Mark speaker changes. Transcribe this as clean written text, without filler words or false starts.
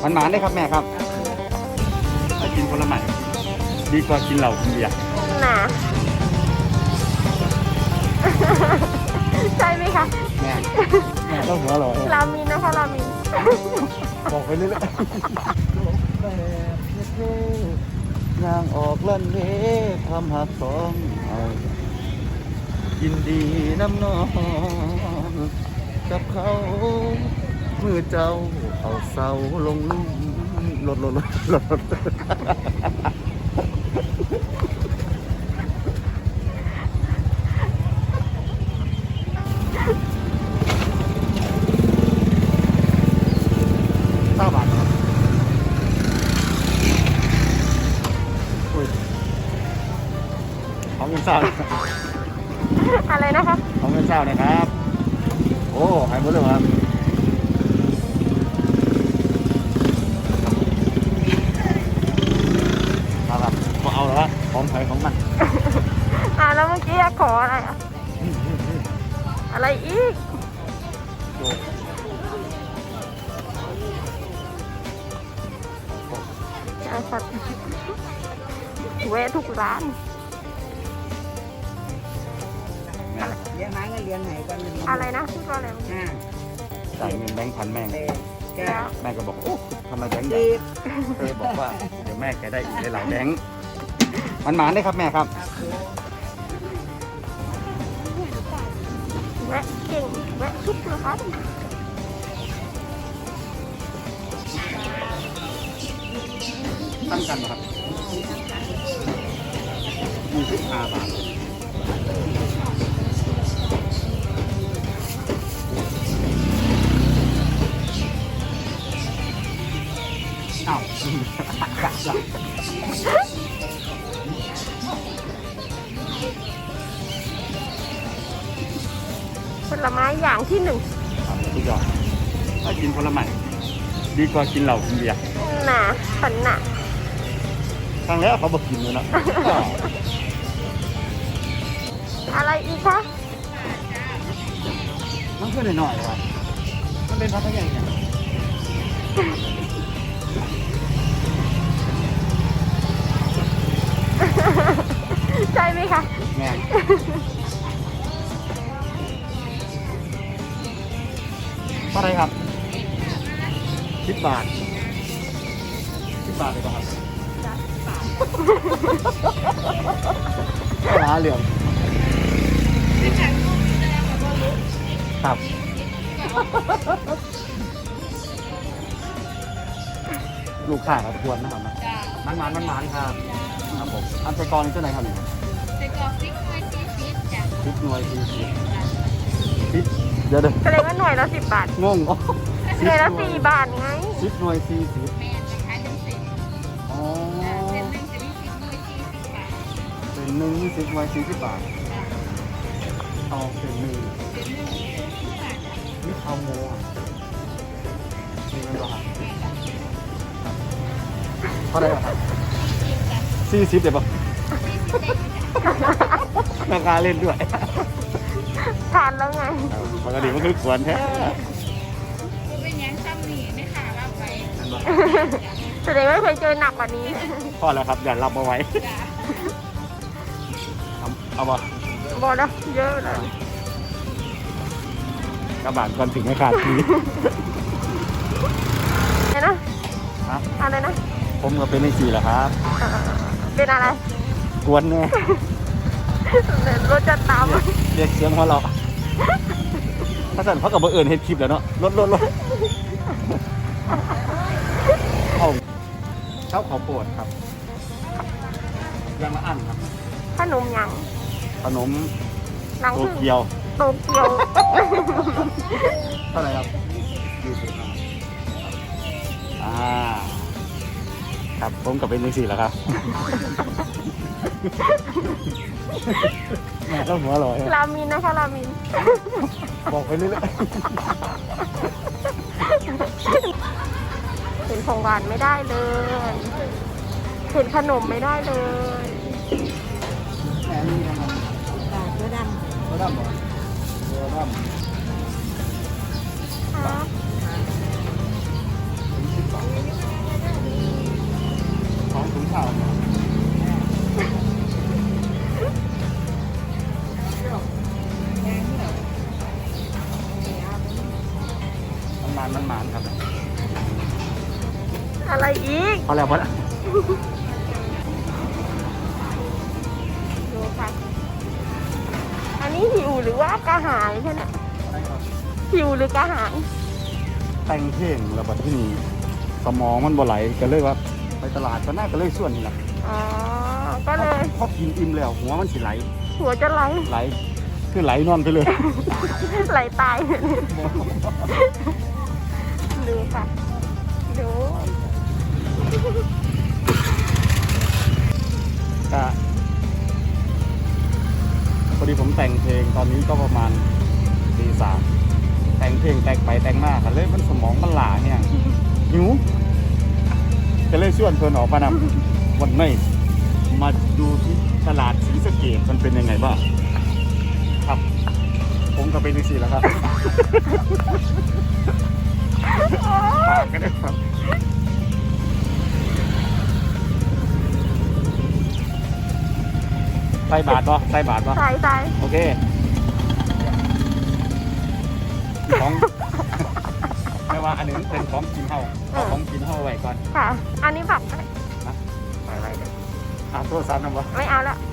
Speaker 1: มันหมาได้ครับแม่ครับถ้ากินผลไม้ดีกว่ากินเหล้ากินเบียร์
Speaker 2: น่ะ ใช่ไหมคะ
Speaker 1: แม่ต้องหัวหล่อ
Speaker 2: รามินนะคะรามิน
Speaker 1: บอกไปเรื่อยๆยางออกลั่นเวทำหักสองเอายินดีน้ำนองกับเขามือเจ้าเอาเสาลงลุ่มลด9 บาทครับของเงินเศร้า
Speaker 2: อะไรนะคะ
Speaker 1: ของเงินเศร้านะครับ โอ้หายหมดเลยครับครับก็เอาแล้วของไทยของมัน
Speaker 2: แล้วเมื่อกี้ขออะไรอ่ะ อะไรอีกสัตว์แวะทุกร้าน
Speaker 3: เลี้ยงไม้ก็เลี้ยงไหนกันหนึ่ง
Speaker 2: อะไรนะพูดว่าอะไร
Speaker 1: จ่ายเงินแบงค์พันแม่ง
Speaker 3: แก
Speaker 1: แม่ก็บอกโอ้ทำไมแบงค์ใหญ่
Speaker 3: ตี
Speaker 1: เคยบอกว่าเดี๋ยวแม่แกได้อีกหลายๆแบงค์มันหมานได้ครับแม่ครับ
Speaker 2: แวะเก่งแวะทุกร้าน
Speaker 1: ตั้งกันนะครับ25 บาทอ้าว
Speaker 2: ผลไม้อย่างที่หนึ่ง
Speaker 1: ครับทุกอย่างถ้ากินผลไม้ดีกว่ากินเหล้ากินเบียร์
Speaker 2: น่ะฝันน่ะ
Speaker 1: ครั้งแล้วเขาบอกกินเลยนะ
Speaker 2: อะไรอีกคะ
Speaker 1: มันเพื่อนหน่อยๆครับมันเป็นพัทยาเนี่ย
Speaker 2: ใช่ไหมคะ
Speaker 1: แม่เท่าไหรครับ10 บาท10 บาทเลยป่ะครับร้านเหลืองครับลูกค้าครับควรนะครับนะมันครับครับผมอันใจกรนี่เท่าไหร่ครับนี่
Speaker 4: ใส่กรอกพริกหน่วย40จ้ะ
Speaker 1: 10 หน่วย40เดี๋ยว
Speaker 2: แสดงว่าหน่วยละ10 บาท
Speaker 1: งงอ๋อ
Speaker 2: หน่วยละ4 บาทไง
Speaker 1: 10 หน่วย40
Speaker 4: แม่นนะคะจังสิ
Speaker 1: อ๋อ
Speaker 4: เส้นหนึงจะมี10หน่วย40บาท
Speaker 1: เป็นหนึ่ง20 หน่วย40 บาทเอาเป็นหนึ่ง
Speaker 4: เป็นหนึ่ง40บาท
Speaker 1: นี่เอาโมอ่ะนี่มันก็หักเท่าไหร่ครับ40เดี๋ยวป่ะราคาเล่นด้วย
Speaker 2: ทานแล้วไง
Speaker 1: ปกติมันคือควรแท้
Speaker 4: คือเป็นหยังซ้ำนี่ไม่ขาเราไป
Speaker 2: แสดงว่าเคยเจอหนักกว่านี้
Speaker 1: พอแล้วครับ อย่ารับเอาไว้
Speaker 4: จ้ะ
Speaker 1: เอาบ่
Speaker 2: บอกแล้วเยอะเลย
Speaker 1: กระบาดก่อนถึงไม่ขาดที
Speaker 2: อะไรนะ
Speaker 1: ครับ
Speaker 2: อะไรนะ
Speaker 1: ผมก็เป็นใน4แหละครับ
Speaker 2: เป็นอะไร
Speaker 1: กวนแน่
Speaker 2: รถจะตาม
Speaker 1: เรียกเสียงหัวเราะถ้าสั่นเขากับเบอร์เอิญเฮ็ดคลิปแล้วเนาะรถเอาเช้าขอโปรดครับยังมาอั้นครับ
Speaker 2: ขนมหยัง
Speaker 1: ขนม
Speaker 2: หลัง
Speaker 1: โต
Speaker 2: พึ่ง
Speaker 1: เกียว
Speaker 2: โตเกียว
Speaker 1: เท่าไหร่ครับ20ครับผมกับเป็นใน4แล้วครับ แม่ต้องหัวลอย
Speaker 2: รามินนะคะรามิน
Speaker 1: บอกไปเรื่อย
Speaker 2: เห็นของหวานไม่ได้เลย เห็นขนมไม่ได้เลย
Speaker 1: ๆแม่นี่นะครับ
Speaker 3: ตัวด
Speaker 1: ตัวดำบ่ตัวดำ
Speaker 2: ครับ
Speaker 1: 10 บาท
Speaker 2: อะไรอีก
Speaker 1: พอแล้วพอแล้ว
Speaker 2: ดูค่ะ อันนี้หิวหรือว่ากระหายใช่ไหมหิวหรือกระหาย
Speaker 1: แต่งเพลงแล้วบัดที่นี่สมองมันบ่ไหลก็เลยว่าไปตลาดก็น่าก็เลยส่วนนี่แหละ
Speaker 2: อ๋อ ก็เลย
Speaker 1: พอกินอิ่มแล้วหัวมันสิไหล
Speaker 2: หัวจะไหล
Speaker 1: ไหลคือไหลนอนไปเลย
Speaker 2: ไหลตายดูค่ะ ดู
Speaker 1: ก็พอดีผมแต่งเพลงตอนนี้ก็ประมาณตี 3แต่งเพลงแต่งไปแต่งมากันเลยมันสมองมันหลาเนี่ยหิวก็เลยชวนเพื่อนออกมานำวันนี้มาดูที่ตลาดศรีสะเกษมันเป็นยังไงบ้างครับ ผมก็เป็นสี่แล้วครับฝากกันด้วยครับใส่บาทป่ะใส่บาทป่ะ
Speaker 2: ใส่ใส่
Speaker 1: โอเคของ ไม่ว่าอันนี้เป็นของกินเฮาเอาของกินเฮาไว้ก่อน
Speaker 2: ค่ะ อันนี้บัตรไหม
Speaker 1: ไปโทรศัพท์นำวะ
Speaker 2: ไม่เอาแล้ว